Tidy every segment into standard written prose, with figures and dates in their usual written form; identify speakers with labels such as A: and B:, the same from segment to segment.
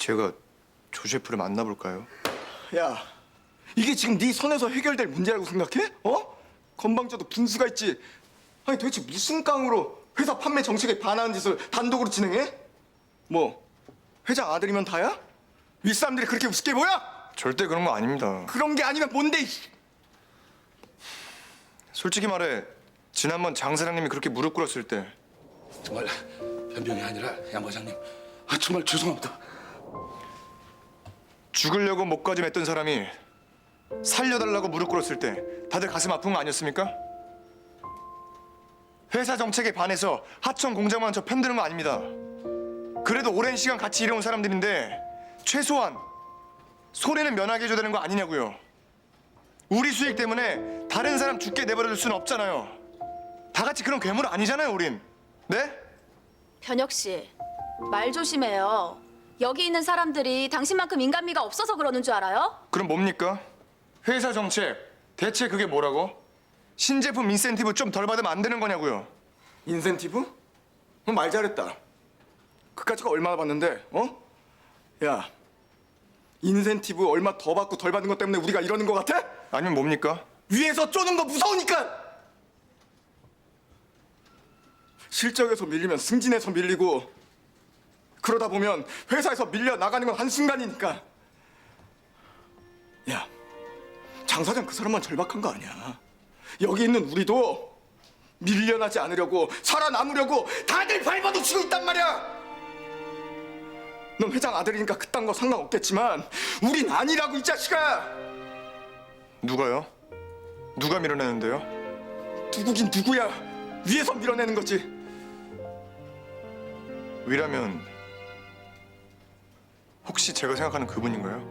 A: 제가 조 셰프를 만나볼까요?
B: 야, 이게 지금 네 손에서 해결될 문제라고 생각해? 어? 건방져도 빈수가 있지. 아니 도대체 무슨 깡으로 회사 판매 정책에 반하는 짓을 단독으로 진행해? 뭐 회장 아들이면 다야? 윗사람들이 그렇게 우습게 보여?
A: 절대 그런 거 아닙니다.
B: 그런 게 아니면 뭔데?
A: 솔직히 말해 지난번 장 사장님이 그렇게 무릎 꿇었을 때
C: 정말 변병이 아니라 양 과장님, 정말 죄송합니다.
A: 죽으려고 목까지 맸던 사람이 살려달라고 무릎 꿇었을 때 다들 가슴 아픈 거 아니었습니까? 회사 정책에 반해서 하청 공장만 저 편드는 거 아닙니다. 그래도 오랜 시간 같이 일해온 사람들인데 최소한 손해는 면하게 해줘야 되는 거 아니냐고요. 우리 수익 때문에 다른 사람 죽게 내버려둘 수는 없잖아요. 다 같이 그런 괴물 아니잖아요, 우린. 네?
D: 변혁 씨, 말 조심해요. 여기 있는 사람들이 당신만큼 인간미가 없어서 그러는 줄 알아요?
A: 그럼 뭡니까? 회사 정책 대체 그게 뭐라고? 신제품 인센티브 좀 덜 받으면 안 되는 거냐고요.
B: 인센티브? 말 잘했다. 그까지가 얼마나 받는데? 어? 야, 인센티브 얼마 더 받고 덜 받는 것 때문에 우리가 이러는 것 같아?
A: 아니면 뭡니까?
B: 위에서 쪼는 거 무서우니까! 실적에서 밀리면 승진에서 밀리고 그러다 보면 회사에서 밀려 나가는 건 한순간이니까. 야, 장 사장 그 사람만 절박한 거 아니야. 여기 있는 우리도 밀려나지 않으려고 살아남으려고 다들 발버둥치고 있단 말이야. 넌 회장 아들이니까 그딴 거 상관없겠지만 우린 아니라고 이 자식아.
A: 누가요? 누가 밀어내는데요?
B: 누구긴 누구야. 위에서 밀어내는 거지.
A: 위라면 혹시 제가 생각하는 그분인가요?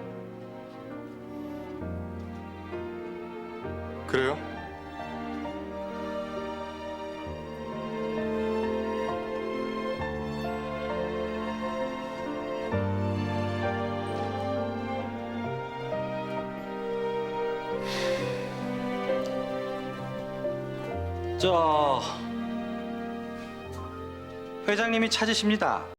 A: 그래요?
E: 저 회장님이 찾으십니다.